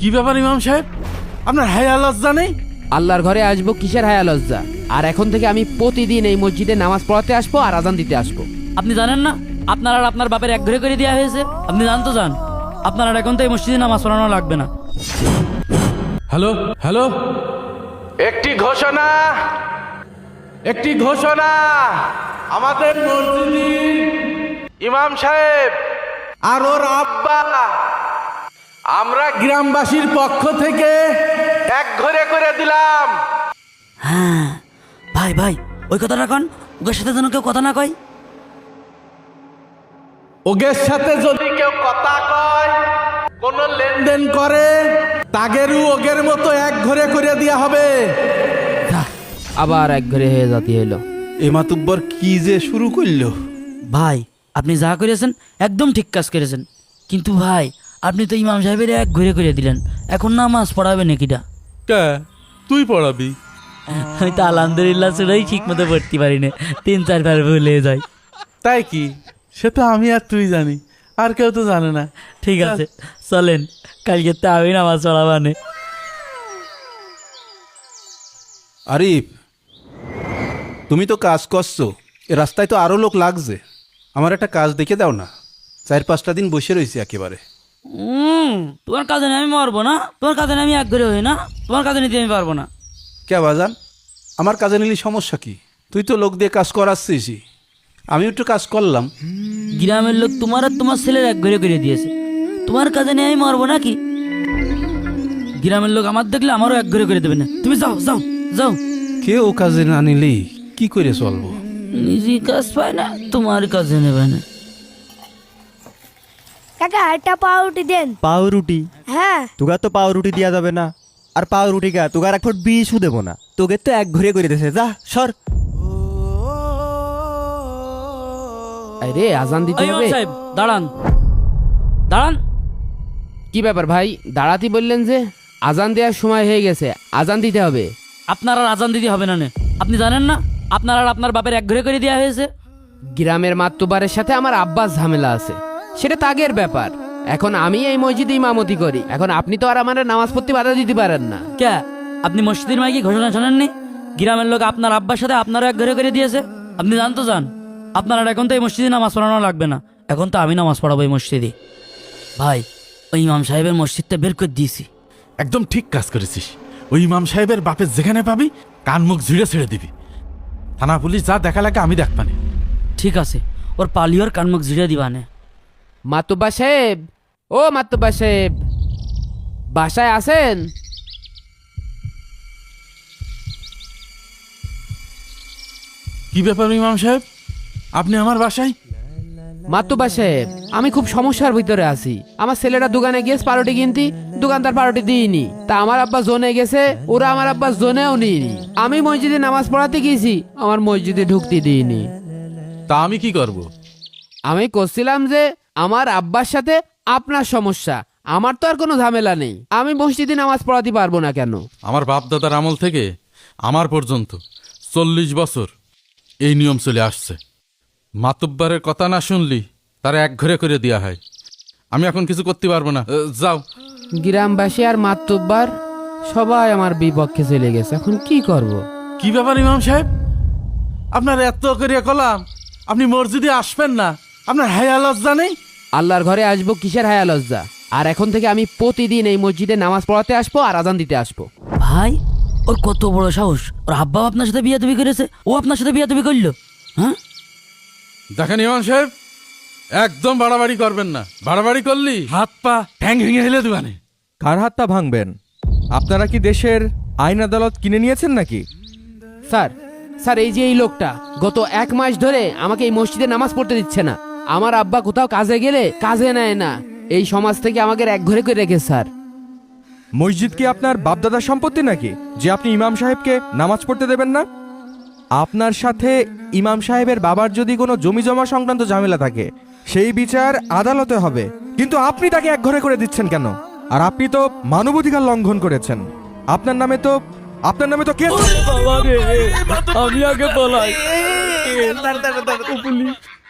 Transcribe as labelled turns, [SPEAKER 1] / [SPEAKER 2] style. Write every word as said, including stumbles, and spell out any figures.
[SPEAKER 1] কি ব্যাপার ইমাম সাহেব, আপনার হায়া লজ্জা নেই?
[SPEAKER 2] আল্লাহর ঘরে আসবো কিসের হায়া লজ্জা? আর এখন থেকে আমি প্রতিদিন এই মসজিদে নামাজ পড়াতে আসবো আর আজান দিতে আসবো।
[SPEAKER 3] আপনি জানেন না আপনার আর আপনার বাপের এক ঘরে করে দেওয়া হয়েছে? আপনি জান তো যান, আপনার আর এখন তো এই মসজিদে নামাজ পড়ানো লাগবে না।
[SPEAKER 1] হ্যালো হ্যালো, একটি ঘোষণা, একটি ঘোষণা। আমাদের মসজিদের ইমাম সাহেব আর ওর আব্বা আমরা গ্রামবাসীর পক্ষ থেকে এক ঘরে করে দিলাম।
[SPEAKER 3] হ্যাঁ ভাই ভাই, ওই কথাটা কন, ওর সাথে যেন কেউ কথা না কয়।
[SPEAKER 1] ওগের সাথে যদি কেউ কথা কয়, কোন লেনদেন করে, তাগেরও ওগের মতো এক ঘরে করে দেওয়া হবে।
[SPEAKER 2] আবার এক ঘরে হয়ে জাতি এলো।
[SPEAKER 1] এ মাতুব্বর কি যে শুরু করলো।
[SPEAKER 3] ভাই আপনি যা করেছেন একদম ঠিক কাজ করেছেন, কিন্তু ভাই আপনি তো ইমাম সাহেবের এক ঘরে করে দিলেন, এখন নামাজ পড়াবে নাকিটা?
[SPEAKER 1] কে তুই পড়াবি?
[SPEAKER 3] আমি তো আলহামদুলিল্লাহ শুনেই ঠিক মতো পড়তে পারি না, তিন চারবার ভুলে যাই।
[SPEAKER 1] তাই কি? সে তো আমি আর তুই জানি, আর কেউ তো জানে না।
[SPEAKER 3] ঠিক আছে চলেন, কালকে তো আমি নামাজ পড়াবানে।
[SPEAKER 4] আরিফ, তুমি তো কাজ করছো, এ রাস্তায় তো আরও লোক লাগছে। আমার একটা কাজ দেখে দাও না, চার পাঁচটা দিন বসে রয়েছি একেবারে।
[SPEAKER 3] হুম তোমার কাজে আমি মারবো না, তোমার কাজে আমি এক ঘরে হই না, তোমার কাজে নিতে আমি পারবো না।
[SPEAKER 4] কে বাজান, আমার কাজে নিলি সমস্যা কি? তুই তো লোক দিয়ে কাজ করাচ্ছিস, আমি একটু কাজ করলাম।
[SPEAKER 3] গ্রামের লোক তোমার আর তোমার ছেলের এক ঘরে করে দিয়েছে, তোমার কাজে নিয়ে আমি মারবো নাকি? গ্রামের লোক আমার দেখলে আমারও এক ঘরে করে দেবে না। তুমি যাও যাও যাও।
[SPEAKER 4] কেউ কাজে না নিলি কি করে চলবো?
[SPEAKER 3] নিজে কাজ পায় না, তোমার কাজে নেবে না।
[SPEAKER 5] কাকা একটা পাউরুটি দেন।
[SPEAKER 6] পাউরুটি?
[SPEAKER 5] হ্যাঁ।
[SPEAKER 6] তোকে তো পাউরুটি দেওয়া যাবে না। আর পাউরুটি কা তোকে আর এক ফুট বিষও দেবো না, তোকে তো এক ঘুরে করে দিয়েছে। যা সর।
[SPEAKER 2] আরে আজান দিতে
[SPEAKER 3] এই ইমাম
[SPEAKER 2] হবে।
[SPEAKER 3] সাহেব দাঁড়ান দাঁড়ান।
[SPEAKER 2] কি ব্যাপার ভাই, দাঁড়াতে বললেন যে? আজান দেওয়ার সময় হয়ে গেছে, আজান দিতে হবে।
[SPEAKER 3] আপনার আর আজান দিতে হবে না নে। আপনি জানেন না আপনার আর আপনার বাপের এক ঘরে করে দেওয়া হয়েছে?
[SPEAKER 2] গ্রামের মাতব্বরের সাথে আমার আব্বাস ঝামেলা আছে, সেটা তাগের ব্যাপার। এখন আমি এই মসজিদে ইমামতি করি, এখন আপনি তো আর আমার নামাজ পড়তে বাধা দিতে পারেন না।
[SPEAKER 3] কে আপনি মসজিদের মাইকে ঘোষণা শোনেননি? গ্রামের লোক আপনার আব্বার সাথে আপনারও এক ঘরে করে দিয়েছে। আপনি জানতো যান, আপনার আর এখন তো এই মসজিদে নামাজ পড়ানো লাগবে না, এখন তো আমি নামাজ পড়াবো এই মসজিদে। ভাই ওই ইমাম সাহেবের মসজিদটা বের করে দিয়েছি।
[SPEAKER 1] একদম ঠিক কাজ করেছিস। ওই ইমাম সাহেবের বাপের যেখানে পাবি কান মুখ ঝিড়ে ছেড়ে দিবি। থানা পুলিশ যা দেখা লাগে আমি দেখবানি।
[SPEAKER 3] ঠিক আছে, ওর পালিওর কানমুখ ঝিড়ে দিবানে।
[SPEAKER 2] মাতব্বা সাহেব, ও মাতব্বা সাহেব, বাসায় আছেন?
[SPEAKER 1] কি ব্যাপার ইমাম সাহেব, আপনি আমার বাসায়?
[SPEAKER 2] মাতব্বা সাহেব, আমি খুব সমস্যার ভিতরে আছি। আমার ছেলেটা দোকানে গিয়েছে পাউরুটি কিনতে, দোকানদার পাউরুটি দিইনি। তা আমার আব্বা জোনে গেছে, ওরা আমার আব্বা জোনেও নিইনি। আমি মসজিদে নামাজ পড়াতে গিয়েছি, আমার মসজিদে ঢুকতে দিইনি।
[SPEAKER 1] তা আমি কি করব?
[SPEAKER 2] আমি করছিলাম যে আমার আব্বার সাথে আপনার সমস্যা, আমার তো আর কোনো ঝামেলা নেই, আমি মসজিদে নামাজ পড়াতে পারবো না কেন?
[SPEAKER 1] আমার বাপ দাদার আমল থেকে আমার পর্যন্ত চল্লিশ বছর এই নিয়ম চলে আসছে। মাতব্বরের কথা না শুনলি তারা এক ঘরে করে দেওয়া হয়। আমি এখন কিছু করতে পারবো না, যাও।
[SPEAKER 2] গ্রামবাসী আর মাতব্বার সবাই আমার বিপক্ষে চলে গেছে, এখন কি করব?
[SPEAKER 1] কি ব্যাপার ইমাম সাহেব, আপনার এত করে কলাম আপনি মসজিদে আসবেন না, আপনার হায়া লজ্জা নেই?
[SPEAKER 2] আল্লাহর ঘরে আসবো কিসের হায়া লজ্জা? আর এখন থেকে আমি প্রতিদিন এই মসজিদে নামাজ পড়াতে আসবো আর আজান দিতে আসবো।
[SPEAKER 3] ভাই ওর কত বড় সাহস, ওর আব্বাও আপনার সাথে বিয়ে তুমি করেছে, ও আপনার সাথে বিয়ে তুমি করলো? হ্যাঁ
[SPEAKER 1] দেখেন ইমাম সাহেব, একদম বাড়াবাড়ি করবেন না। বাড়াবাড়ি করলি হাত পা ঠ্যাং ভেঙে হেলে দেবানে।
[SPEAKER 6] কার হাতটা ভাঙবেন? আপনারা কি দেশের আইন আদালত কিনে নিয়েছেন নাকি?
[SPEAKER 2] স্যার স্যার এই যে এই লোকটা গত এক মাস ধরে আমাকে এই মসজিদে নামাজ পড়তে দিচ্ছে না। আমার আব্বা কোথাও কাজে গেলে কাজে নেয় না, এই সমাজ থেকে আমাকে এক ঘরে করে রেখে। স্যার
[SPEAKER 6] মসজিদ কি আপনার বাপদাদার সম্পত্তি নাকি যে আপনি ইমাম সাহেবকে নামাজ পড়তে দেবেন না? আপনার সাথে ইমাম সাহেবের বাবার যদি কোনো জমি জমা সংক্রান্ত ঝামেলা থাকে সেই বিচার আদালতে হবে, কিন্তু আপনি তাকে এক ঘরে করে দিচ্ছেন কেন? আর আপনি তো মানবাধিকার লঙ্ঘন করেছেন। আপনার নামে তো আপনার নামে তো কেস।
[SPEAKER 3] আমি আগে বলাই।